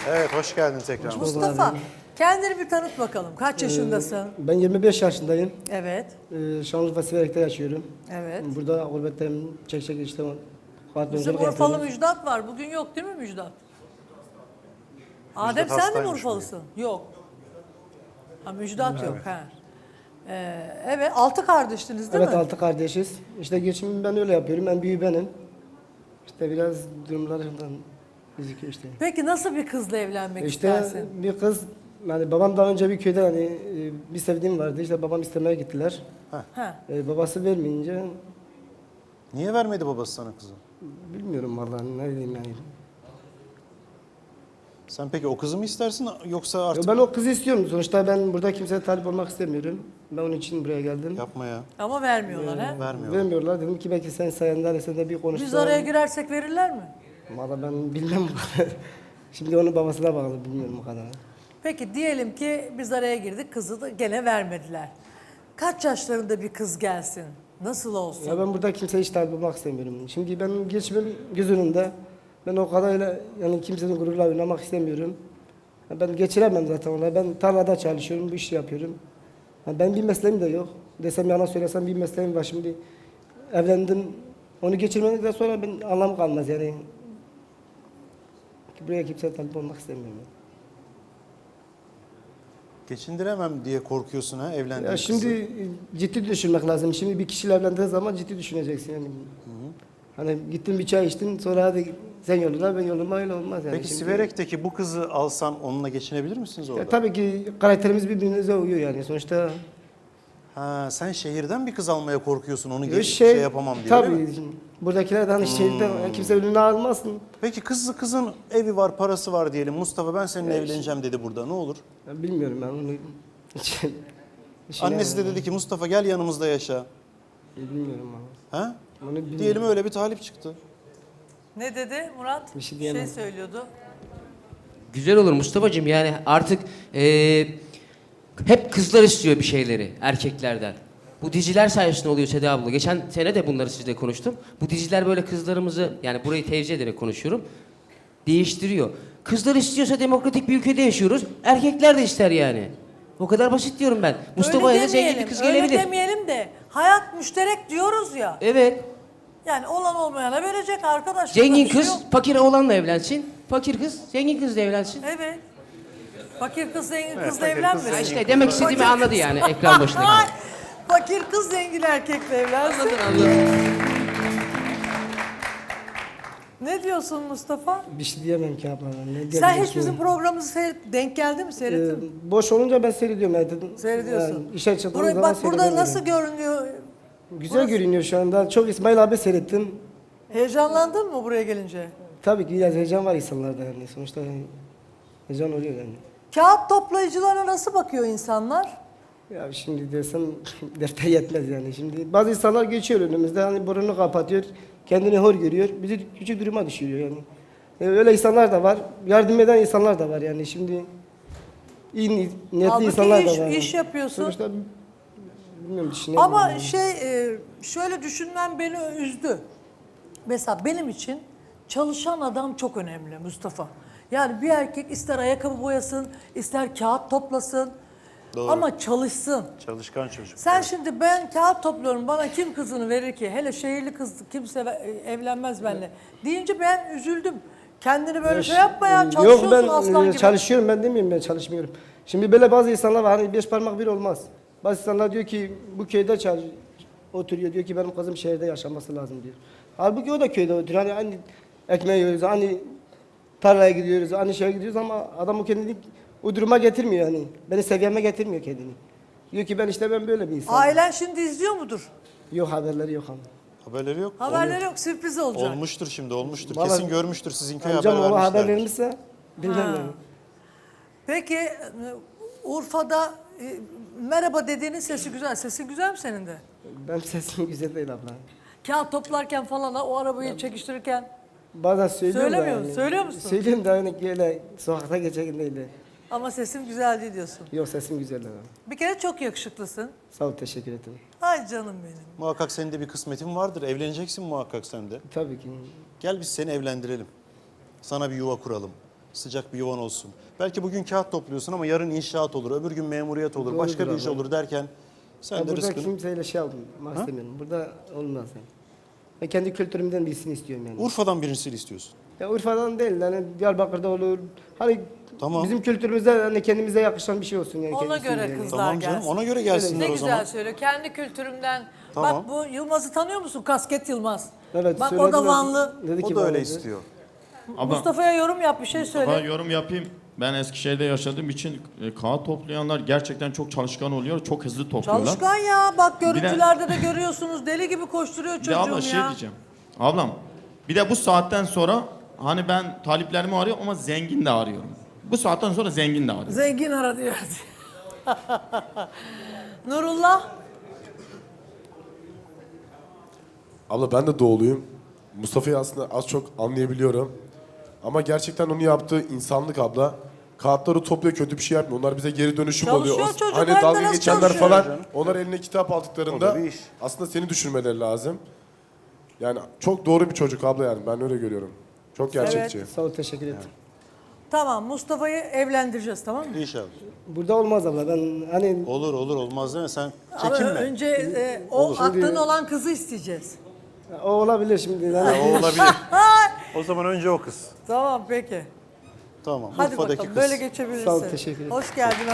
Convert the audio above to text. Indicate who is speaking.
Speaker 1: Evet, hoş geldin tekrar.
Speaker 2: Mustafa, kendini bir tanıt bakalım. Kaç yaşındasın?
Speaker 3: Ben 25 yaşındayım.
Speaker 2: Evet,
Speaker 3: Şanlıurfa Siverek'te yaşıyorum.
Speaker 2: evet.
Speaker 3: Burada gurbetteyim. Çek işte.
Speaker 2: Bizim Urfalı Müjdat var. Bugün yok değil mi Müjdat? Adem sen de mi
Speaker 1: hastaymış
Speaker 2: Urfalısın? Yok. Ha Müjdat yok. Ha. Evet, 6 kardeştiniz değil
Speaker 3: Evet,
Speaker 2: mi?
Speaker 3: 6 kardeşiz. İşte geçimimi ben öyle yapıyorum. En büyüğü benim. İşte biraz durumlarından gözüküyor işte.
Speaker 2: Peki nasıl bir kızla evlenmek
Speaker 3: İşte
Speaker 2: istersin?
Speaker 3: bir kız, yani babam daha önce bir köyde bir sevdiğim vardı. İşte babam istemeye gittiler.
Speaker 2: Ha.
Speaker 3: Babası vermeyince
Speaker 1: Niye vermedi babası sana kızı?
Speaker 3: bilmiyorum vallahi ne diyeyim yani.
Speaker 1: Sen peki o kızı mı istersin yoksa artık...
Speaker 3: Ben o kızı istiyorum. Sonuçta ben burada kimseye talip olmak istemiyorum. Ben onun için buraya geldim.
Speaker 1: Yapma ya.
Speaker 2: Ama vermiyorlar ha?
Speaker 1: Vermiyorlar.
Speaker 3: Vermiyorlar. Dedim ki belki sen sayende hani sen de bir konuşsan.
Speaker 2: Biz araya girersek verirler mi?
Speaker 3: Valla ben bilmem bu kadar. Şimdi onun babasına bağlı, bilmiyorum o kadar.
Speaker 2: Peki diyelim ki biz araya girdik, kızı da gene vermediler. Kaç yaşlarında bir kız gelsin? Nasıl olsun?
Speaker 3: Ya ben burada kimseye hiç talip olmak istemiyorum. Şimdi benim geçimim göz önünde. Ben o kadarıyla yani kimsenin gururla oynamak istemiyorum. Ya ben geçiremem zaten ona. Ben tarlada çalışıyorum, bu işi yapıyorum. Ya ben bir mesleğim de yok. Desem yalan söylesem bir mesleğim var. Şimdi evlendim. Onu geçirmedikten sonra ben anlam kalmaz yani. Buraya kimseye talip olmak istemiyorum.
Speaker 1: Geçindiremem diye korkuyorsun ha evlendiğin
Speaker 3: Ya şimdi ciddi düşünmek lazım. Şimdi bir kişiyle evlendiğin zaman ciddi düşüneceksin yani. Hani gittin bir çay içtin sonra hadi sen yoluna ben yoluma, öyle olmaz yani.
Speaker 1: Peki
Speaker 3: Şimdi,
Speaker 1: Siverek'teki bu kızı alsan onunla geçinebilir misiniz orada?
Speaker 3: tabii ki karakterimiz birbirimize uyuyor yani. Sonuçta
Speaker 1: Ha, sen şehirden bir kız almaya korkuyorsun onu şey yapamam diye
Speaker 3: tabii,
Speaker 1: değil mi?
Speaker 3: buradakiler de hani şehirde kimse önüne almasın.
Speaker 1: Peki kızın evi var, parası var diyelim. Mustafa ben seninle evleneceğim dedi burada. Ne olur?
Speaker 3: Ya bilmiyorum ben onu.
Speaker 1: Annesi de dedi ki Mustafa gel yanımızda yaşa.
Speaker 3: Bilmiyorum ama.
Speaker 1: Ha?
Speaker 3: Onu bilmiyorum.
Speaker 1: Diyelim öyle bir talip çıktı.
Speaker 2: Ne dedi Murat?
Speaker 3: Bir şey
Speaker 2: şey
Speaker 3: diyemem.
Speaker 2: söylüyordu.
Speaker 4: Güzel olur Mustafa'cığım, yani artık hep kızlar istiyor bir şeyleri erkeklerden. Bu diziler sayesinde oluyor Seda abla. Geçen sene de bunları sizle konuştum. Bu diziler böyle kızlarımızı, yani burayı tevzi ederek konuşuyorum, değiştiriyor. Kızlar istiyorsa demokratik bir ülkede yaşıyoruz. Erkekler de ister yani. O kadar basit diyorum ben. Mustafa'ya da zengin bir kız
Speaker 2: öyle
Speaker 4: gelebilir.
Speaker 2: demeyelim de hayat müşterek diyoruz ya.
Speaker 4: Evet.
Speaker 2: Yani olan olmayana verecek arkadaşlar.
Speaker 4: Zengin
Speaker 2: Bir şey
Speaker 4: kız
Speaker 2: yok.
Speaker 4: fakir oğlanla evlensin. Fakir kız zengin kızla evlensin.
Speaker 2: Evet. Fakir kız zengin
Speaker 1: Evet,
Speaker 2: kızla
Speaker 1: fakir kız
Speaker 2: evlenmesin.
Speaker 1: zengin
Speaker 4: İşte demek istediğimi anladı yani ekran başındaki.
Speaker 2: Ay, fakir kız zengin erkekle evlensin.
Speaker 4: Anladın.
Speaker 2: Ne diyorsun Mustafa?
Speaker 3: Bir şey diyemem ki abla. Ne
Speaker 2: Sen
Speaker 3: diyebilirim
Speaker 2: hiç bizim
Speaker 3: ki?
Speaker 2: programımızı denk geldi mi seyrettin mi?
Speaker 3: Boş olunca ben seyrediyorum. Yani,
Speaker 2: Seyrediyorsun.
Speaker 3: Yani işe çıktığım
Speaker 2: Burayı,
Speaker 3: zaman
Speaker 2: bak burada
Speaker 3: seyrediyorum.
Speaker 2: nasıl görünüyor?
Speaker 3: Güzel görünüyor şu anda. Çok İsmail abi seyrettim.
Speaker 2: Heyecanlandın mı buraya gelince?
Speaker 3: Tabii ki biraz heyecan var insanlarda yani. Sonuçta heyecan oluyor yani.
Speaker 2: Kağıt toplayıcılara nasıl bakıyor insanlar?
Speaker 3: Ya şimdi desem defter yetmez yani. Şimdi bazı insanlar geçiyor önümüzde, hani burnunu kapatıyor, kendini hor görüyor, bizi küçük duruma düşürüyor yani. Öyle insanlar da var, yardım eden insanlar da var yani. Şimdi iyi niyetli
Speaker 2: Halbuki
Speaker 3: insanlar da var.
Speaker 2: iş yapıyorsun.
Speaker 3: Sonuçta bilmiyorum, düşünemiyorum.
Speaker 2: Ama
Speaker 3: yani.
Speaker 2: şöyle düşünmem beni üzdü. Mesela benim için çalışan adam çok önemli Mustafa. Yani bir erkek ister ayakkabı boyasın, ister kağıt toplasın.
Speaker 1: Doğru.
Speaker 2: Ama çalışsın.
Speaker 1: Çalışkan çocuk.
Speaker 2: Sen şimdi ben kağıt topluyorum, bana kim kızını verir ki? Hele şehirli kız kimse evlenmez benimle. Deyince ben üzüldüm. Kendini böyle şey yapma ya, çalışıyorsun
Speaker 3: Yok ben
Speaker 2: aslan gibi.
Speaker 3: çalışıyorum, ben demiyorum ben çalışmıyorum. Şimdi böyle bazı insanlar var, hani beş parmak bir olmaz. Bazı insanlar diyor ki bu köyde oturuyor, diyor ki benim kızım şehirde yaşaması lazım diyor. Halbuki o da köyde oturuyor, hani aynı ekmeği yiyoruz, hani tarlaya gidiyoruz, aynı şeye gidiyoruz ama adam o kendini o duruma getirmiyor yani. Beni seviyeme getirmiyor kendini. Diyor ki ben böyle bir insanım.
Speaker 2: Ailen şimdi izliyor mudur?
Speaker 3: Yok, haberleri yok ama.
Speaker 1: Haberleri yok.
Speaker 2: Haberleri yok, sürpriz olacak.
Speaker 1: Olmuştur şimdi olmuştur.
Speaker 3: Vallahi-
Speaker 1: Kesin görmüştür sizin köye
Speaker 3: Amcam
Speaker 1: haber
Speaker 3: ona haber
Speaker 1: vermişlerdir.
Speaker 3: vermişse bilmem
Speaker 2: Ha.
Speaker 3: yani.
Speaker 2: Peki Urfa'da merhaba dediğinin sesi güzel. Sesin güzel mi senin de?
Speaker 3: Benim sesim güzel değil abla.
Speaker 2: Kağıt toplarken falan o arabayı çekiştirirken
Speaker 3: Bazen söylüyorum da
Speaker 2: Söylemiyor,
Speaker 3: yani.
Speaker 2: söylüyor musun?
Speaker 3: Söylüyorum da hani böyle sokakta geçerken değil de.
Speaker 2: ama sesim güzel değil diyorsun.
Speaker 3: Yok, sesim güzel ama.
Speaker 2: Bir kere çok yakışıklısın.
Speaker 3: Sağ ol, teşekkür ederim.
Speaker 2: Ay canım benim.
Speaker 1: Muhakkak senin de bir kısmetin vardır. Evleneceksin muhakkak sen de.
Speaker 3: Tabii ki.
Speaker 1: Gel biz seni evlendirelim. Sana bir yuva kuralım. sıcak bir yuvan olsun. Belki bugün kağıt topluyorsun ama yarın inşaat olur, öbür gün memuriyet olur, başka bir
Speaker 3: Doğrudur
Speaker 1: iş
Speaker 3: abi.
Speaker 1: olur derken sen de
Speaker 3: Burada
Speaker 1: rızkını...
Speaker 3: kimseyle şey yapmak istemiyorum. Burada olmaz yani. Ben kendi kültürümden birisini istiyorum yani.
Speaker 1: Urfa'dan birisini istiyorsun.
Speaker 3: Ya Urfa'dan değil yani Diyarbakır'da olur. Hani
Speaker 1: Tamam.
Speaker 3: bizim kültürümüzde hani kendimize yakışan bir şey olsun yani.
Speaker 2: Ona
Speaker 3: kendisine
Speaker 2: göre
Speaker 3: yani.
Speaker 2: kızlar
Speaker 1: Tamam canım,
Speaker 2: gelsin.
Speaker 1: ona göre
Speaker 2: Ne
Speaker 1: gelsinler o
Speaker 2: güzel
Speaker 1: zaman.
Speaker 2: söylüyor. Kendi kültürümden.
Speaker 1: Tamam.
Speaker 2: Bak bu Yılmaz'ı tanıyor musun? Kasket Yılmaz.
Speaker 3: Evet,
Speaker 2: Bak o
Speaker 3: söylediler.
Speaker 2: da Vanlı.
Speaker 3: Dedi
Speaker 1: O
Speaker 3: ki
Speaker 1: da öyle
Speaker 3: bana-
Speaker 1: istiyor.
Speaker 5: Abla,
Speaker 2: Mustafa'ya yorum yap, bir şey söyle.
Speaker 5: ben yorum yapayım. Ben Eskişehir'de yaşadığım için kağıt toplayanlar gerçekten çok çalışkan oluyor. Çok hızlı topluyorlar.
Speaker 2: Çalışkan ya. Bak görüntülerde de görüyorsunuz. Deli gibi koşturuyor
Speaker 5: Bir de abla
Speaker 2: çocuğum
Speaker 5: şey
Speaker 2: ya.
Speaker 5: diyeceğim. Ablam bir de bu saatten sonra hani ben taliplerimi arıyorum ama zengin de arıyorum. Bu saatten sonra zengin de arıyorum.
Speaker 2: Zengin ara diyor. Nurullah.
Speaker 6: Abla ben de doğuluyum. Mustafa'yı aslında az çok anlayabiliyorum. Ama gerçekten onu yaptığı insanlık abla. Kağıtları topluyor, kötü bir şey yapmıyor. Onlar bize geri dönüşüm
Speaker 2: Çalışıyor
Speaker 6: oluyor.
Speaker 2: çocuk,
Speaker 6: Hani
Speaker 2: hem de
Speaker 6: dalga
Speaker 2: nasıl
Speaker 6: geçenler
Speaker 2: çalışıyor
Speaker 6: falan,
Speaker 1: canım?
Speaker 6: onlar eline kitap
Speaker 1: O da
Speaker 6: aldıklarında
Speaker 1: bir iş.
Speaker 6: aslında seni düşünmeleri lazım. Yani çok doğru bir çocuk abla yani. Ben öyle görüyorum. Çok gerçekçi.
Speaker 3: Sağ ol, teşekkür ederim.
Speaker 2: Tamam, Mustafa'yı evlendireceğiz, tamam mı?
Speaker 1: İnşallah.
Speaker 3: Burada olmaz abla. Ben hani
Speaker 1: Olur olur olmaz değil mi? Sen
Speaker 2: Ama
Speaker 1: çekinme.
Speaker 2: önce o aklın olan kızı isteyeceğiz.
Speaker 3: o olabilir şimdi.
Speaker 1: Ha,
Speaker 3: Yani
Speaker 1: o olabilir. O zaman önce o kız.
Speaker 2: Tamam, peki.
Speaker 1: Tamam.
Speaker 2: Hadi
Speaker 1: Urfa'daki
Speaker 2: bakalım,
Speaker 1: kız.
Speaker 2: böyle geçebilirsin.
Speaker 3: Sağ ol, teşekkür ederim.
Speaker 2: Hoş geldin.